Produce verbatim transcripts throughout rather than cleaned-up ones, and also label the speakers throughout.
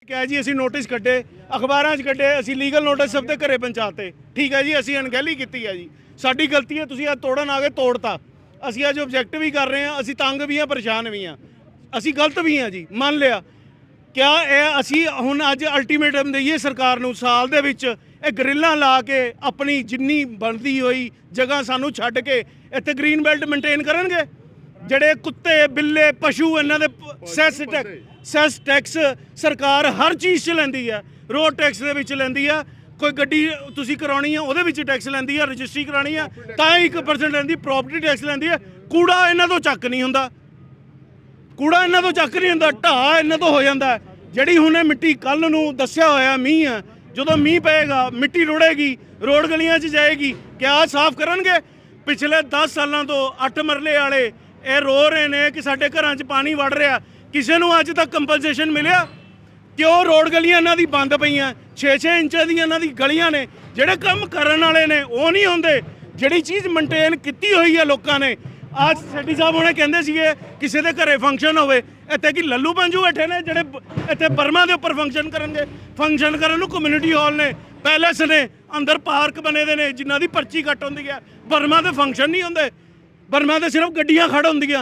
Speaker 1: ਕਿਹਾ ਜੀ ਅਸੀਂ ਨੋਟਿਸ ਕੱਢੇ, ਅਖਬਾਰਾਂ 'ਚ ਕੱਢੇ, ਅਸੀਂ ਲੀਗਲ ਨੋਟਿਸ ਸਭ ਦੇ ਘਰੇ ਪਹੁੰਚਾਤੇ। ਠੀਕ ਹੈ ਜੀ, ਅਸੀਂ ਅਣਗਹਿਲੀ ਕੀਤੀ ਹੈ ਜੀ, ਸਾਡੀ ਗਲਤੀ ਹੈ। ਤੁਸੀਂ ਅੱਜ ਤੋੜਨ ਆ ਗਏ, ਤੋੜਤਾ। ਅਸੀਂ ਅੱਜ ਆਬਜੈਕਟ ਵੀ ਕਰ ਰਹੇ ਹਾਂ, ਅਸੀਂ ਤੰਗ ਵੀ ਹਾਂ, ਪਰੇਸ਼ਾਨ ਵੀ ਹਾਂ, ਅਸੀਂ ਗਲਤ ਵੀ ਹਾਂ ਜੀ, ਮੰਨ ਲਿਆ। ਕਿਆ ਇਹ ਅਸੀਂ ਹੁਣ ਅੱਜ ਅਲਟੀਮੇਟਮ ਦਈਏ ਸਰਕਾਰ ਨੂੰ, ਸਾਲ ਦੇ ਵਿੱਚ ਇਹ ਗਰਿੱਲਾਂ ਲਾ ਕੇ ਆਪਣੀ ਜਿੰਨੀ ਬਣਦੀ ਹੋਈ ਜਗ੍ਹਾ ਸਾਨੂੰ ਛੱਡ ਕੇ ਇੱਥੇ ਗ੍ਰੀਨ ਬੈਲਟ ਮੇਨਟੇਨ ਕਰਨਗੇ? ਜਿਹੜੇ ਕੁੱਤੇ ਬਿੱਲੇ ਪਸ਼ੂ ਇਹਨਾਂ ਦੇ ਸੈਸ ਟੈਕਸ ਸੈਸ ਟੈਕਸ ਸਰਕਾਰ ਹਰ ਚੀਜ਼ 'ਚ ਲੈਂਦੀ ਹੈ। ਰੋਡ ਟੈਕਸ ਦੇ ਵਿੱਚ ਲੈਂਦੀ ਆ, ਕੋਈ ਗੱਡੀ ਤੁਸੀਂ ਕਰਾਉਣੀ ਆ ਉਹਦੇ ਵਿੱਚ ਟੈਕਸ ਲੈਂਦੀ ਆ, ਰਜਿਸਟਰੀ ਕਰਾਉਣੀ ਆ ਤਾਂ ਇੱਕ ਪਰਸੈਂਟ ਲੈਂਦੀ, ਪ੍ਰਾਪਰਟੀ ਟੈਕਸ ਲੈਂਦੀ ਹੈ। ਕੂੜਾ ਇਹਨਾਂ ਤੋਂ ਚੱਕ ਨਹੀਂ ਹੁੰਦਾ, ਕੂੜਾ ਇਹਨਾਂ ਤੋਂ ਚੱਕ ਨਹੀਂ ਹੁੰਦਾ, ਢਾਹ ਇਹਨਾਂ ਤੋਂ ਹੋ ਜਾਂਦਾ। ਜਿਹੜੀ ਹੁਣ ਇਹ ਮਿੱਟੀ ਕੱਲ ਨੂੰ ਦੱਸਿਆ ਹੋਇਆ ਮੀਂਹ ਆ, ਜਦੋਂ ਮੀਂਹ ਪਏਗਾ ਮਿੱਟੀ ਰੁੜੇਗੀ, ਰੋਡ ਗਲੀਆਂ 'ਚ ਜਾਏਗੀ, ਕਿਆ ਸਾਫ਼ ਕਰਨਗੇ? ਪਿਛਲੇ ਦਸ ਸਾਲਾਂ ਤੋਂ ਅੱਠ ਮਰਲੇ ਵਾਲੇ ਇਹ ਰੋ ਰਹੇ ਨੇ ਕਿ ਸਾਡੇ ਘਰਾਂ 'ਚ ਪਾਣੀ ਵੜ ਰਿਹਾ। ਕਿਸੇ ਨੂੰ ਅੱਜ ਤੱਕ ਕੰਪਨਸੇਸ਼ਨ ਮਿਲਿਆ? ਕਿਉਂ ਰੋਡ ਗਲੀਆਂ ਇਹਨਾਂ ਦੀ ਬੰਦ ਪਈਆਂ? ਛੇ ਛੇ ਇੰਚ ਦੀਆਂ ਇਹਨਾਂ ਦੀ ਗਲੀਆਂ ਨੇ। ਜਿਹੜੇ ਕੰਮ ਕਰਨ ਵਾਲੇ ਨੇ ਉਹ ਨਹੀਂ ਹੁੰਦੇ, ਜਿਹੜੀ ਚੀਜ਼ ਮੇਨਟੇਨ ਕੀਤੀ ਹੋਈ ਹੈ ਲੋਕਾਂ ਨੇ। ਅੱਜ ਸੈਟੀ ਸਾਹਿਬ ਹੁਣੇ ਕਹਿੰਦੇ ਸੀਗੇ ਕਿਸੇ ਦੇ ਘਰੇ ਫੰਕਸ਼ਨ ਹੋਵੇ, ਇੱਥੇ ਕੀ ਲੱਲੂ ਪੰਜੂ ਬੈਠੇ ਨੇ ਜਿਹੜੇ ਇੱਥੇ ਬਰਮਾ ਦੇ ਉੱਪਰ ਫੰਕਸ਼ਨ ਕਰਨਗੇ? ਫੰਕਸ਼ਨ ਕਰਨ ਨੂੰ ਕਮਿਊਨਿਟੀ ਹਾਲ ਨੇ, ਪੈਲੇਸ ਨੇ, ਅੰਦਰ ਪਾਰਕ ਬਣੇ ਦੇ ਨੇ ਜਿਨ੍ਹਾਂ ਦੀ ਪਰਚੀ ਕੱਟ ਹੁੰਦੀ ਹੈ। ਬਰਮਾ ਦੇ ਫੰਕਸ਼ਨ ਨਹੀਂ ਹੁੰਦੇ, ਬਰਮਾ ਦੇ ਸਿਰਫ ਗੱਡੀਆਂ ਖੜ ਹੁੰਦੀਆਂ।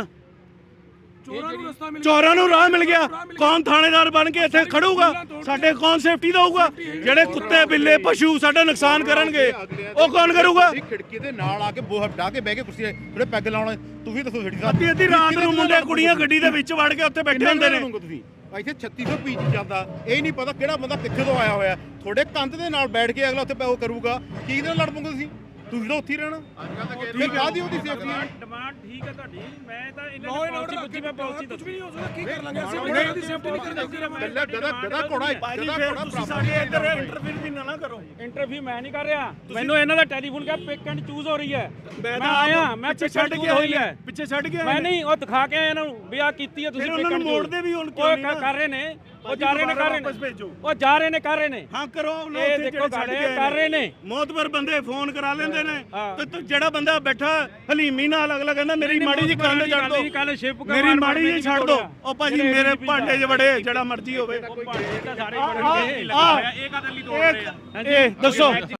Speaker 1: ਚੋਰਾਂ ਨੂੰ ਰਾਹ ਮਿਲ ਗਿਆ, ਕੌਣ ਥਾਣੇਦਾਰ ਬਣ ਕੇ ਇੱਥੇ ਖੜੂਗਾ? ਸਾਡੇ ਕੌਣ ਸੇਫਟੀ ਦਊਗਾ? ਜਿਹੜੇ ਕੁੱਤੇ ਬਿੱਲੇ ਪਸ਼ੂ ਸਾਡਾ ਨੁਕਸਾਨ ਕਰਨਗੇ ਉਹ ਕੌਣ ਕਰੂਗਾ?
Speaker 2: ਖਿੜਕੀ ਦੇ ਨਾਲ ਆ ਕੇ ਬੋਹ ਡਾ ਕੇ ਬਹਿ ਕੇ ਕੁਰਸੀ ਜਿਹੜੇ ਪੈਗ ਲਾਉਣ, ਤੁਸੀਂ ਦੱਸੋ ਸੇਠੀ ਸਾਹਿਬ।
Speaker 1: ਅੱਧੀ ਅੱਧੀ ਰਾਤ ਨੂੰ ਮੁੰਡੇ ਕੁੜੀਆਂ ਗੱਡੀ ਦੇ ਵਿੱਚ ਵੜ ਕੇ ਉੱਥੇ ਬੈਠੇ ਹੁੰਦੇ ਨੇ।
Speaker 2: ਤੁਸੀਂ ਇੱਥੇ ਛੱਤੀ ਸੌ ਪੀਚ ਜਾਂਦਾ, ਇਹ ਨਹੀਂ ਪਤਾ ਕਿਹੜਾ ਬੰਦਾ ਕਿੱਥੇ ਤੋਂ ਆਇਆ ਹੋਇਆ। ਤੁਹਾਡੇ ਕੰਧ ਦੇ ਨਾਲ ਬੈਠ ਕੇ ਅਗਲਾ ਉੱਥੇ ਉਹ ਕਰੂਗਾ, ਕੀ ਇਹਦੇ ਨਾਲ ਲੜ ਪਉਂਗੇ ਤੁਸੀਂ? ਤੁਸੀਂ ਤਾਂ ਉੱਥੇ ਹੀ ਰਹਿਣਾ। ਠੀਕ ਆ ਦੀ ਉਹਦੀ ਸੇਫਟੀ
Speaker 3: ਡਿਮਾਂਡ ਠੀਕ ਹੈ ਤੁਹਾਡੀ, ਮੈਂ ਤਾਂ ਇਹਨਾਂ ਦੀ ਪਾਲਿਸੀ ਪੁੱਛੀ, ਮੈਂ ਪਾਲਿਸੀ ਕੁਝ ਵੀ ਨਹੀਂ ਹੋ ਸਕਦਾ। ਕੀ ਕਰ ਲਾਂਗੇ ਅਸੀਂ? ਉਹਦੀ ਸੇਫਟੀ ਨਹੀਂ ਕਰਦੇ।
Speaker 2: ਗੱਦਾ ਗਦਾ ਗਦਾ ਘੋੜਾ
Speaker 1: ਭਾਜੀ ਫਿਰ ਤੁਸੀਂ ਸਾਡੇ ਇੱਧਰ ਇੰਟਰਵਿਊ ਵੀ ਨਾ ਨਾ ਕਰੋ।
Speaker 3: ਇੰਟਰਵਿਊ ਮੈਂ ਨਹੀਂ ਕਰ ਰਿਹਾ, ਮੈਨੂੰ ਇਹਨਾਂ ਦਾ ਟੈਲੀਫੋਨ ਕਿਹਾ ਪਿਕ ਐਂਡ ਚੂਜ਼ ਹੋ ਰਹੀ ਹੈ।
Speaker 1: ਮੈਂ
Speaker 3: ਮੈਂ ਆਇਆ, ਮੈਂ
Speaker 1: ਪਿੱਛੇ ਛੱਡ ਕੇ
Speaker 3: ਹੋਈ ਹੈ,
Speaker 1: ਪਿੱਛੇ ਛੱਡ ਕੇ
Speaker 3: ਮੈਂ ਨਹੀਂ ਉਹ ਦਿਖਾ ਕੇ ਆਇਆ ਇਹਨਾਂ ਨੂੰ ਵੀ ਆ ਕੀਤੀ ਹੈ ਤੁਸੀਂ।
Speaker 1: ਉਹਨਾਂ ਨੂੰ ਮੋੜਦੇ ਵੀ ਹੁਣ ਕਿਉਂ ਨਹੀਂ
Speaker 3: ਕਰ ਰਹੇ ਨੇ, ਉਹ ਜਾ ਰਹੇ ਨੇ ਕਰ ਰਹੇ ਨੇ, ਉਹ ਜਾ ਰਹੇ ਨੇ ਕਰ ਰਹੇ ਨੇ।
Speaker 1: ਹਾਂ ਕਰੋ,
Speaker 3: ਇਹ ਦੇਖੋ ਛੱਡ ਕੇ ਕਰ ਰਹੇ ਨੇ।
Speaker 1: ਮੌਤਬਰ ਬੰਦੇ ਫੋਨ ਕਰਾ ਲੈਂਦੇ ਨੇ ਤੇ ਜਿਹੜਾ ਬੰਦਾ ਬੈਠਾ ਹਲੀਮੀ ਨਾਲ ਅਗਲਾ ਕਹਿੰਦਾ ਮੇਰੀ ਮਾੜੀ ਜੀ ਕੰਨ ਛੱਡ ਦੋ, ਮੇਰੀ ਮਾੜੀ ਜੀ ਛੱਡ ਦੋ। ਉਹ ਭਾਜੀ ਮੇਰੇ ਭਾਂਡੇ 'ਚ ਵੜੇ ਜਿਹੜਾ ਮਰਜ਼ੀ ਹੋਵੇ।
Speaker 3: ਸਾਰੇ ਬੜੇ ਇਹ ਕਦਲੀ ਤੋੜ ਰਹੇ ਆ।
Speaker 1: ਇਹ ਦੱਸੋ।